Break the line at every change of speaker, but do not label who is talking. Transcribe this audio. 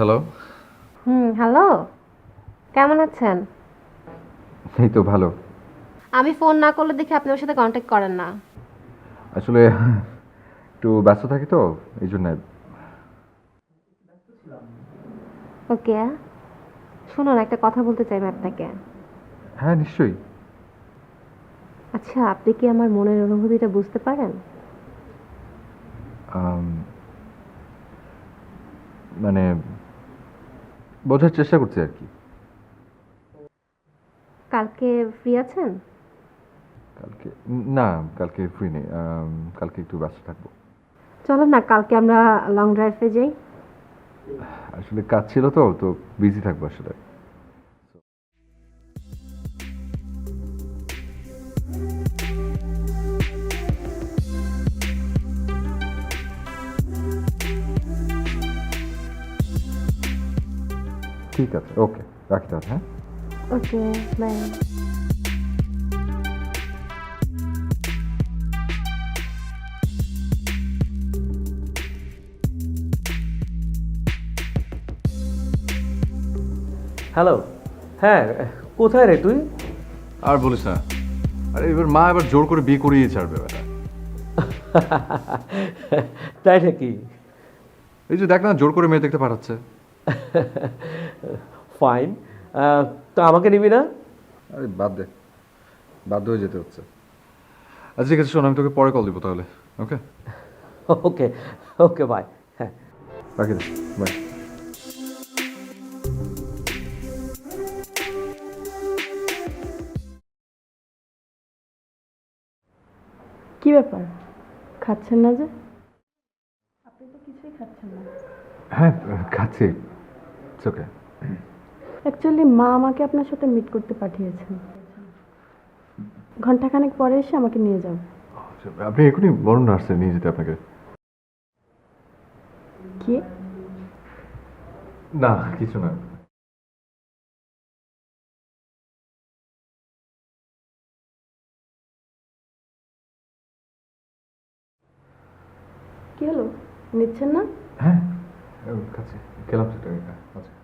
Hello.
Hello. কেমন আছেন?
এই তো ভালো।
আমি ফোন না করলে দেখি আপনি ওর সাথে কন্ট্যাক্ট করেন না।
আসলে একটু ব্যস্ত থাকি তো এই জন্য।
ওকে। শুনুন, একটা কথা বলতে চাই আমি আপনাকে।
হ্যাঁ, নিশ্চয়ই।
আচ্ছা, আপনি কি আমার মনের অনুভূতিটা বুঝতে পারেন?
আম, মানে বোঝার চেষ্টা করছি আর কি।
কালকে ফ্রি আছেন?
কালকে না, কালকে ফ্রি নেই। কালকে একটু ব্যস্ত থাকবো।
চলো না, কালকে আমরা লং ড্রাইভে যাই।
আসলে কাজ ছিল তো তো বিজি থাকবো আসলে। ঠিক আছে, ওকে, রাখি তাহলে। হ্যাঁ,
ওকে, বাই।
হ্যালো। হ্যাঁ, কোথায় রে তুই?
আর বলিস না। আরে এবার মা এবার জোর করে বিয়ে করিয়ে ছাড়বে বেটা।
তাই নাকি?
এই যে দেখ না, জোর করে মেয়ে দেখতে পাঠাচ্ছে।
ফাইন। তো আমাকে নিবি না?
আরে বাদ দে, বাধ্য হয়ে যেতে হচ্ছে। আচ্ছা ঠিক আছে, শোন, আমি তোকে পরে কল দিব তাহলে। Okay,
okay. Okay, bye. হ্যাঁ।
রাখি দে, বাই।
কি ব্যাপার, খাচ্ছেন না যে? আপনি তো কিছুই খাচ্ছেন না।
হ্যাঁ, খাচ্ছি। ওকে।
অ্যাকচুয়ালি মা আমাকে আপনার সাথে মিট করতে পাঠিয়েছেন। ঘন্টাখানেক পরে এসে আমাকে নিয়ে যাও।
আপনি এখনই বলুন নার্সে নিয়ে যেতে আপনাকে।
কি?
না, কিছু না।
কি হলো, নিচ্ছেন না?
হ্যাঁ, খাচ্ছি, খেলাম সেটা। আচ্ছা।